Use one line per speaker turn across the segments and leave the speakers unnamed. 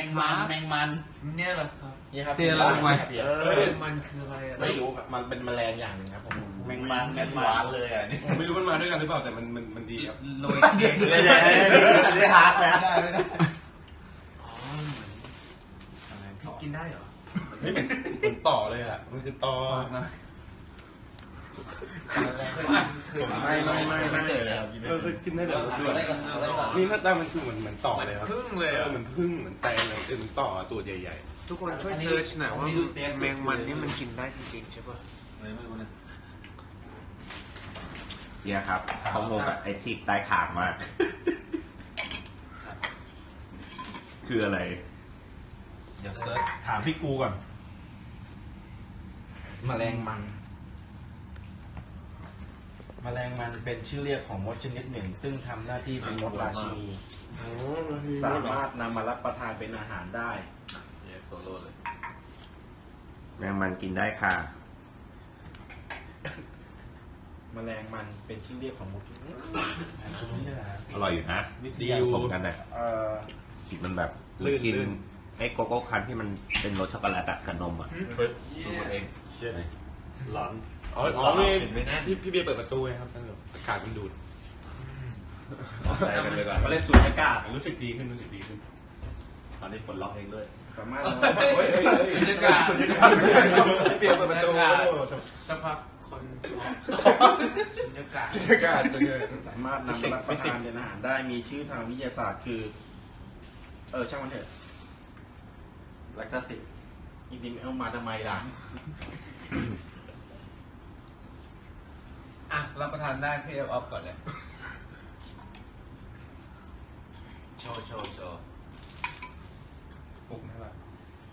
งมัน
เนี่ยเหรอครับ
นี่ครับ
เตี้ยแล้วทำไม
มันคืออะไรอ่ะ
ไม่รู้ครับมันเป็นแมลงอย่างหนึ่งครับผม
แมงมัน
หวานเลยอ่ะนี่
ผมไม่รู้มันมาด้วยกันหรือเปล่าแต่มันดีครับ
โรย
ได้ฮาร์ดแล้วได้ไม่ได้
อ๋อกินได้เหรอ
ไม่เหมือนต่อเลยอ่ะมันคือต่อนะ
ไม่เคยเลยครับ
คือกินได้เดี๋ยวด้วยนี่หน้าตามันคือเหมือนต่อเลยครับ
พึ่งเลยอ่ะ
เหมือนพึ่งเหมือนแตงเลยเหมือนต่อตัวใหญ่
ทุกคนช่วยเซิร์ชหน่อยว่าแมงมันนี่มันกินได้จริงๆใช่ป่ะ
ไม่รู้นะ
เนี่ยครับเขางงกับไอ้ที่ใต้ขางมาก คืออะไร
เดี๋ยวเซิร์ชถามพี่กูก่อนแมลงมันเป็นชื่อเรียกของมดชนิดหนึ่งซึ่งทำหน้าที่เป็นมดราชินีสามารถนำมารับประทานเป็นอาหารได้โซโล่เลย
แมงมันกินได้ค่ะ
แมลงมันเป็นชื่อเรียกของมด
อร่อยอยู่นะ
ดี
ผสมกันเนี่ยกินมันแบบกินไอ้โกโก้คันที่มันเป็นรสช็อกโกแลตกับนมอ่ะ
ดูเองเชื่อไหม
ๆร้อนอ๋อพี่เบียร์เปิดประตูไงครับอากาศมันดูด
ใส่กันเลยก่อน
มาเล่นสูดอากาศรู้สึกดีขึ้น
ตอนนี้ปลดล็อกเองด้วยสามารถ
สุญญากาศ
เปลี่ยนเปิดประตู
สักพักคนสุญญากาศ
อากาศเป็นไง
สามารถนำมารับประทานเป็นอาหารได้มีชื่อทางวิทยาศาสตร์คือช่างมันเถอะแลคตาซิจริงๆเอามาทำไมล่ะ
อ่ะรับประทานได้พี่เอาออฟก่อนเลยโชว์
ปลุกน่ารัก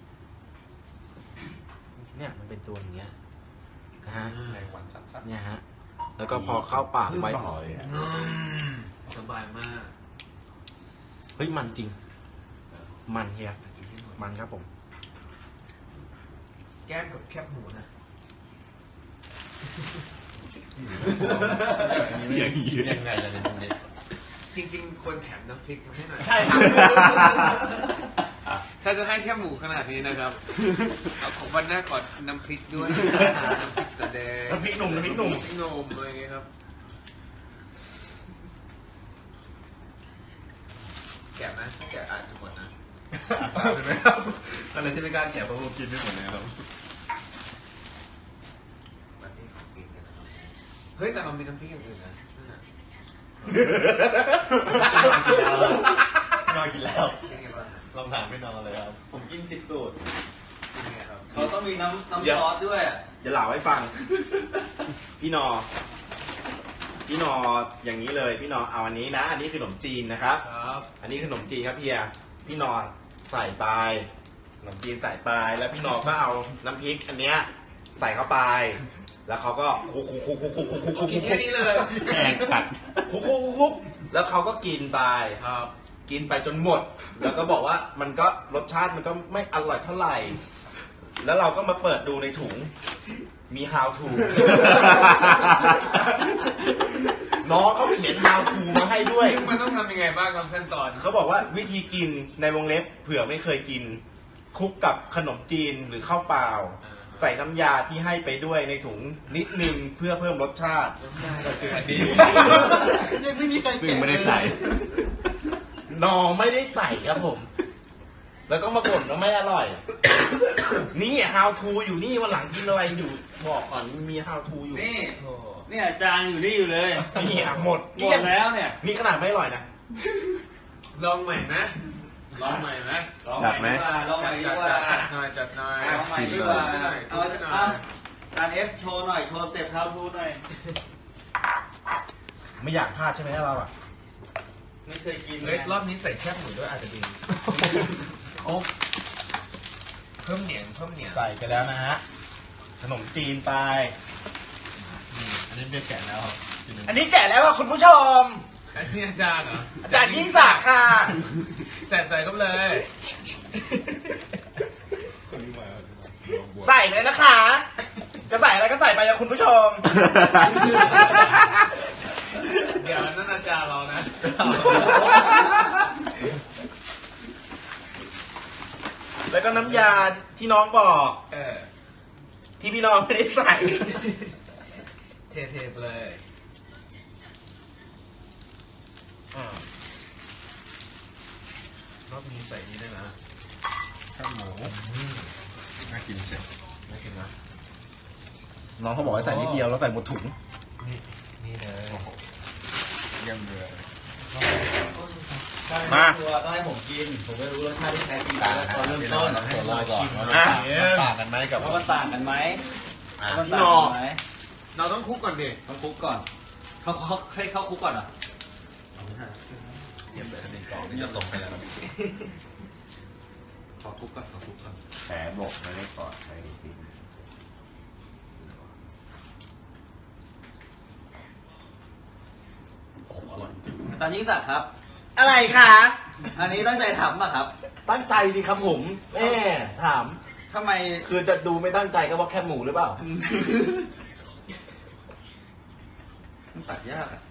เนี่ยมันเป็นตัวอย่างเงี้ยนะฮะ
แรงวันชัด
เนี่ยฮะแล้วก็พอเข้าปากไป
สบายมาก
เฮ้ยมันจริงมันเฮียมันครับผม
แก้มกับแคบหมูนะ
ยังไงล่ะในตรงนี้
จริงๆควรแถมน้ำพริกให้หน่อย
ใช่ครับ
ถ้าจะให้แค่หมูขนาดนี้นะครับเอาของวันหน้าขอน้ำพริกด้วยน้ำพริกตะแดง
น้ำพริกหนุ่ม
นมอะไรอย่างเงี้ยครับแกะนะถ้าแกะอาจจะหมดนะ
ใช่ไหมครับอะไรที่ไม่กล้าแกะเพราะผมกินไม่หมดเลยครับ
มาที่ของกินกันนะครับเฮ้ยแต่เรามีน้ำพริกอย่างอื่นนะนั่นน่ะ
นอนกินแล้ว
ยังไงบ้าง
ลองถามไม่นอนเลยครับ
ผมกินผิดสูตร
ยังไงครับ
เขาต้องมีน้ำซอสด้วย
จะเล่าให้ฟัง พี่นออย่างนี้เลยพี่นอเอาอันนี้นะ อันนี้คือขนมจีนนะครับ
ครับ
อันนี้ขนมจีนครับเฮียพี่นอใส่ไปขนมจีนใส่ไปแล้วพี่นอก็เอาน้ำพริกอันเนี้ยใส่เข้าไป แล้วเขาก็คุก
กินแค่นี้เลย
แกงกัด
คุกแล้วเขาก็กินไป
ครับ
กินไปจนหมด แล้วก็บอกว่ามันก็รสชาติมันก็ไม่อร่อยเท่าไหร่ แล้วเราก็มาเปิดดูในถุงมี how to น้องเขาเขียน how to มาให้ด้วย
มันต้องทำยังไงบ้างครับขั้นตอน
เขาบอกว่าวิธีกินในวงเล็บเผื่อไม่เคยกินคลุกกับขนมจีนหรือข้าวเปล่า ใส่น้ำยาที่ให้ไปด้วยในถุงนิดนึงเพื่อเพิ่มรสชาติ
อันนี้
ยังไม่มีใคร
ซึ่งไม่ได้ใส่
นอไม่ได้ใส่ครับผม แล้วก็มาบ่นว่าไม่อร่อย นี่ how to อยู่นี่วันหลังกินอะไรอยู่บอกก่อนมี how to อยู่
นี่
โอ้
เนี่ยจานอยู่นี่อยู่เลย
นี่อ่ะหมด
หมดแล้วเนี่ย
นี่ขนาดไม่อร่อยนะ
ลองใหม่นะลองใหม่นะ
จัดไหม
ลองใหม่ดีกว่า
จัดหน่อย
ลองใหม่ดี
ช่วย
กว่า
ดูหน่อย
เอา
ช่วยหน่อย
การเอฟโชว์หน่อยโชว์สเต็ปเท้าทูหน่อย
ไม่อยากพลาดใช่ไหมเราอ่ะ
ไม่เคยกิน
เฮ้ยรอบนี้ใส่แคบหมูด้วยอาจจะดีเพิ่มเหนียง
ใส่ไปแล้วนะฮะขนมจีนไป
อันนี้เบียร์แกะแล้วครับ
อันนี้แกะแล้วอ่ะคุณผู้ชม
อันนี้อาจารย์เหรอ
อาจารย์ยิ่งศักดิ์ค่ะ
ใส่เข้าไปเลย
ใส่ไปเลยนะคะ จะใส่อะไรก็ใส่ไปนะคุณผู้ชม
เดี๋ยวนั่นอาจารย์เรานะ
ก็น้ำยาที่น้องบอก ที่พี่น้องไม่ได้ใส่
เทๆไปเลยรอบนี้ใส่นี้ได้นะ
ข้าวหมูน่ากินเชียว
น่ากินนะ
น้องเขาบอกให้ใส่นิดเดียวแล้วใส่หมดถุง
นี่เลย
เยี่ยมเลย
มา
ตัวต้องให้ผมกิน ผมไม่รู้รสชาติที่แท้จริงตอนเริ่มต้น
ให้เราชิม
อ่ะ
ต่างกันไหมกับ
ว่ามันต่างกันไหม มัน
พี่
ต่าง
นอ
กันไหม
เราต้องคลุกก่อนดิ
ต้องคลุกก่อนเขาให้เข้าคลุกก่อนอ่ะ
เยี่ยมเลยนี่กล่องนี่จะส่งไปแล้วนะ
ขอคลุกก่อนขอคลุกก่อน
แผลบกไม่ได้กอดใช้ชิ้น
อาจารย์ยิ่งศักดิ์ครับ
อะไรคะ
อันนี้ตั้งใจทำป่ะครับ
ตั้งใจดีครับผมแม่ถาม
ทำไม
คือจะดูไม่ตั้งใจก็ว่าแคบหมูหรือเปล่า
มันตัดยากอ่ะ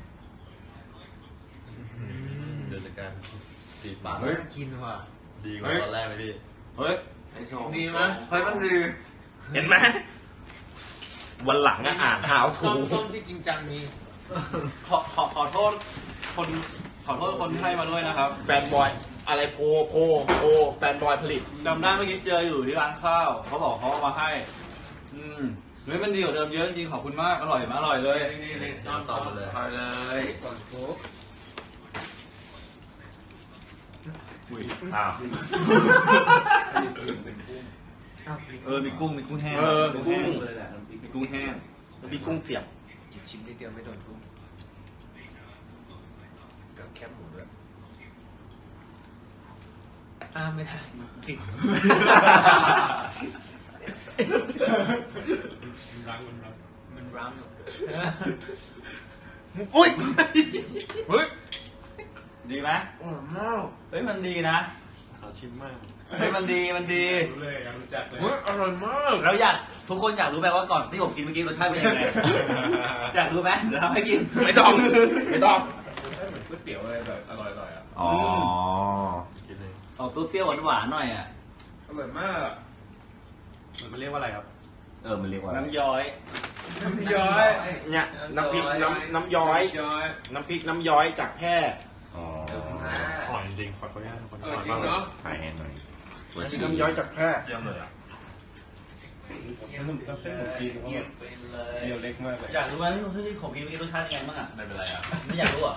เดินจากการสีปาก
น่ากินว่ะ
ดีกว่าตอนแรกเลยพี่
เฮ้ย
ดีไหม
เฮ้ยมันดี
เห็นไหมวันหลังอะอ่านหาวถู
ส้มที่จริงจังมี
ขอโทษคนที่ให้มาด้วยนะครับ
แฟนบอย อะไรโพแฟนบอยผลิต
จำได้เมื่อกี้เจออยู่ที่ร้านข้าว เขาบอกเขาเอามาให้ เฮ้ยมันดีกว่าเดิมเยอะจริงๆขอบคุณมาก อร่อยมากอร่อยเลย
นี่ซ้อนมาเลย
อร่อยเลย
ก่อนคลุก
อ้าว
มีกุ้งแห้ง
มีกุ้ง
เลยแหละน้ำพริก
มีกุ้งแห้ง
มีกุ้งเสียบ
ชิ้นนิดเดียวไม่โดนกุ้งกับแคบหมูด้วยไม่ได้ติด มันร้ำอยู่
อุ้ย
เฮ้ย ดีไหม
อร่อยมาก
เฮ้ยมันดีนะ
ขอชิมมาก
เฮ้ยมันดี
รู้เลยอยากรู้จักเลย
อร่อยมาก
เราทุกคนอยากรู้ไหมว่าก่อนที่ผมกินเมื่อกี้รสชาติเป็นยังไง อยากรู้ไหมเดี๋ยวทำให้กิน
ไม่ต้อง
เหมือนก๋วยเตี๋ยวอะไรแบบอร่อยๆอ่ะ
อ๋อ
กินเลย
ออกเปรี้ยวๆหวานๆหน่อยอ่ะ
อร่อยมาก
มันเรียกว่าอะไรครับ
มันเรียกว่าอะไร
น้ำย้อย
น้ำย้อย
เนี่ยน้ำพริกน้ำย้อย น้ำพริกน้ำย้อยจากแพร่
อ๋อ
อร่อยจริงๆขออนุญาตทุกคน
จริงเนาะ
ถ่ายให้หน่อย
น้ำพริกน้ำย้อยจากแพร่
เยี่ยมเลยอ่ะ
เยี่ยมไปเลย
เดียวเล็กมากเลย
อยากรู้ไหมที่ผมกินเมื่อกี้รสชาติยังไงบ้างอ่ะ
ไม่เป็นไรอ่ะ
ไม่อยากรู้อ่ะ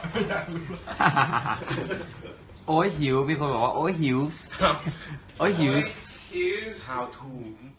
โอ้ยหิว มีคนบอกว่า โอ้ยหิว โอ้ยหิว
Here's
how to